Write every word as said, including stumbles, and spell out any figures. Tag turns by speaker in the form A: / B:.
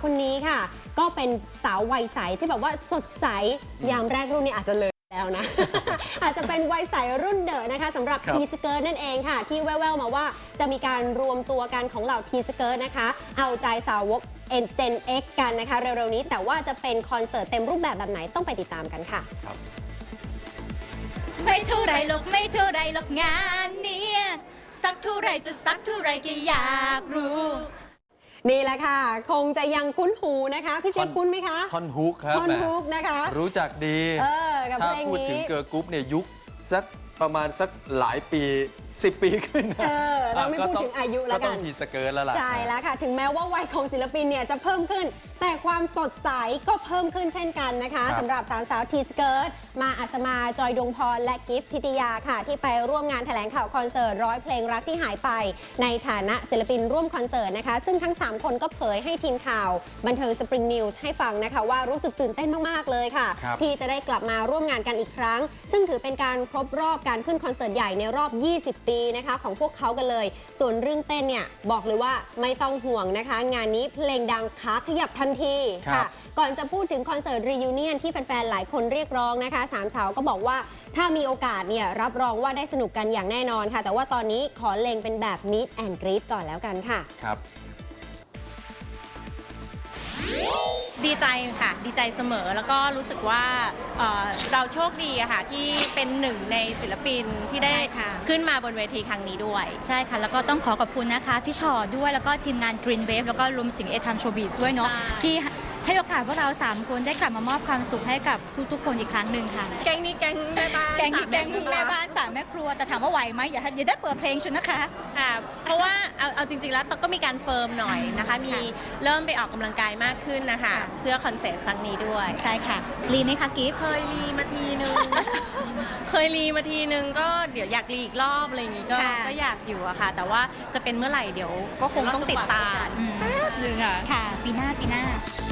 A: คนนี้ค่ะก็เป็นสาววัยใสที่แบบว่าสดใสยามแรกรุ่นนี้อาจจะเลยแล้วนะ อาจจะเป็นวัยใสรุ่นเดอะนะคะสำหรับทีสเกิร์ตนั่นเองค่ะที่แว่วๆมาว่าจะมีการรวมตัวกันของเหล่าทีสเกิร์ตนะคะเอาใจสาวกเอ็นเจน X กันนะคะเร็วๆนี้แต่ว่าจะเป็นคอนเสิร์ตเต็มรูปแบบแบบไหนต้องไปติดตามกันค่ะ
B: ไม่เท่าไรหรอกไม่เท่าไรหรอกงานนี้สักเท่าไรจะสักเท่าไรก็อยากรู้
A: นี่แหละค่ะคงจะยังคุ้นหูนะคะพี่เจี๊ยบคุ้นไหมคะ
C: ท่อนฮุกครับ
A: ท่อนฮุกนะคะ
C: รู้จักดี
A: เออกับเพลงนี้
C: ถ้าพูดถึงเกิร์ลกรุ๊ปเนี่ยยุคสักประมาณสักหลายปีสิบปีขึ้นนะ
A: เออเราไม่พูดถึงอายุแล้วกันก็
C: ต้องทีสเกิร์ตแล้วล่ะ
A: ใช่แล้วค่ะถึงแม้ว่าวัยของศิลปินเนี่ยจะเพิ่มขึ้นแต่ความสดใสก็เพิ่มขึ้นเช่นกันนะคะสำหรับสาวสาวทีสเกิร์ตมาอัศมาจอยดวงพรและกิฟต์ทิติยาค่ะที่ไปร่วมงานแถลงข่าวคอนเสิร์ตร้อยเพลงรักที่หายไปในฐานะศิลปินร่วมคอนเสิร์ตนะคะซึ่งทั้งสามคนก็เผยให้ทีมข่าวบันเทิงสปริงนิวส์ให้ฟังนะคะว่ารู้สึกตื่นเต้นมากๆเลยค่ะที่จะได้กลับมาร่วมงานกันอีกครั้งซึ่งถือเป็นการครบรอบการขึ้นคอนเสิร์ตใหญ่ในรอบยี่สิบปีนะคะของพวกเขากันเลยส่วนเรื่องเต้นเนี่ยบอกเลยว่าไม่ต้องห่วงนะคะงานนี้เพลงดังขาขยับทันทีค่ะก่อนจะพูดถึงคอนเสิร์ตรียูเนียนที่แฟนๆหลายคนเรียกร้องนะคะสามสาวก็บอกว่าถ้ามีโอกาสเนี่ยรับรองว่าได้สนุกกันอย่างแน่นอนค่ะแต่ว่าตอนนี้ขอเล็งเป็นแบบ Meet and Greet ก่อนแล้วกันค่ะ
C: ครับ
B: ดีใจค่ะดีใจเสมอแล้วก็รู้สึกว่า เ, เราโชคดีอะค่ะที่เป็นหนึ่งในศิลปินที่ได้ขึ้นมาบนเวทีครั้งนี้ด้วย
D: ใช่ค่ะแล้วก็ต้องขอขอบคุณนะคะพี่ชอด้วยแล้วก็ทีมงาน Green Wave แล้วก็รวมถึงเอทัมโชว์บีสด้วยเนาะที่ให้โอกาสพวกเราสามคนได้กลับมามอบความสุขให้กับทุกๆคนอีกครั้งหนึ่งค่ะ
B: แก๊งนี้แก๊งแม่บ้าน
D: แก๊งนี้แก๊งแม่บ้านสามแม่ครัวแต่ถามว่าไหวไหมอย่าอย่าได้เปิดเพลงชุดนะคะ
B: ค่ะเพราะว่าเอาเอาจริงๆแล้วก็มีการเฟิร์มหน่อยนะคะมีเริ่มไปออกกำลังกายมากขึ้นนะคะเพื่อคอนเสิร์ตครั้งนี้ด้วย
D: ใช่ค่ะรีไหมคะกิฟต์
B: เคยรีมาทีนึง เคยรีมาทีนึงก็เดี๋ยวอยากรีอีกรอบอะไรอย่างงี้ก็ก็อยากอยู่อะค่ะแต่ว่าจะเป็นเมื่อไหร่เดี๋ยวก็คงต้องติดตาม
D: แป๊บนึงค่ะค่ะปีหน้าปีหน้า